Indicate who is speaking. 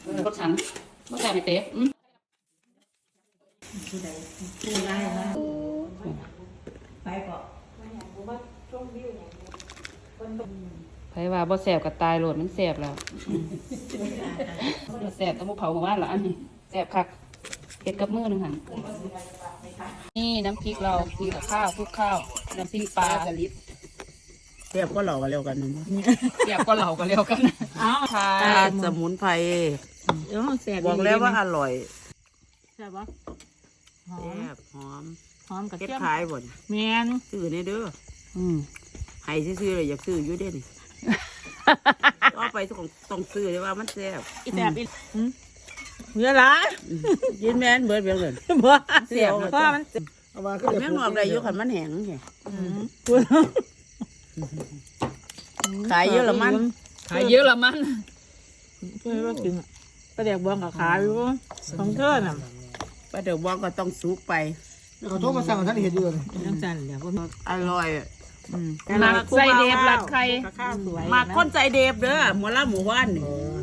Speaker 1: รสฉันรสแซ่บไม่เต๊ะไผว่าบ่แซ่บก็ตายโลดมันแซ่บแล้วแซ่บต้องบ่เผาหมู่บ้านละอันนี้แซ่บคักเฮ็ดกับมือนึงหั่นนี่น้ำพริกเรากินกับข้าวคลุกข้าวน้ำพริกปลากะลิบ
Speaker 2: เรียบก็หล่อกันเร็วกันนะ
Speaker 1: เสียบก็เหล่าก็เร็วกันอ้าวค่ะ
Speaker 2: สมุนไพร
Speaker 3: แซ่บ
Speaker 2: บอกแล้วว่าอร่อย
Speaker 3: แซ่บปะหอ
Speaker 2: แซ่
Speaker 3: ม
Speaker 2: บหอม
Speaker 3: หอมกับ
Speaker 2: เก็ด
Speaker 3: เทียม
Speaker 2: ขายบ่น
Speaker 3: แมน
Speaker 2: ซื้อนี่เด้อ
Speaker 1: ม
Speaker 2: ให้ซื้อๆเลยอยากซื้ออยู่เด้นี่ ก็ไปต้องซื้อเลยว่ามันแซ่บ
Speaker 3: อีแซ่บอีเยอะหลาย
Speaker 2: ยินแม่นเบิดเบี้ยเลย
Speaker 3: บ่
Speaker 2: แซ่บ
Speaker 3: เพราะมัน
Speaker 2: แม่งออกได้อยู่คันมันแห้งไงขายเยอะละมัน
Speaker 1: ขายเยอะละมัน
Speaker 3: เพื่อว่ากินกระเดียกบวงกับขายอยู่ของเธอน่ะ
Speaker 2: ป้าเดี๋ยวบอกก็ต้องซุกไป
Speaker 4: เขาโทรมาสั่งท่านเห็นอยู่เลย
Speaker 3: น้ำจันเดี๋ยวพวก
Speaker 2: อร่อย
Speaker 1: หมักไส้เดบหลักไข่
Speaker 3: ข้าวสวย
Speaker 2: หมักคนใจเดบเด้อหมูละหมูว่านนี่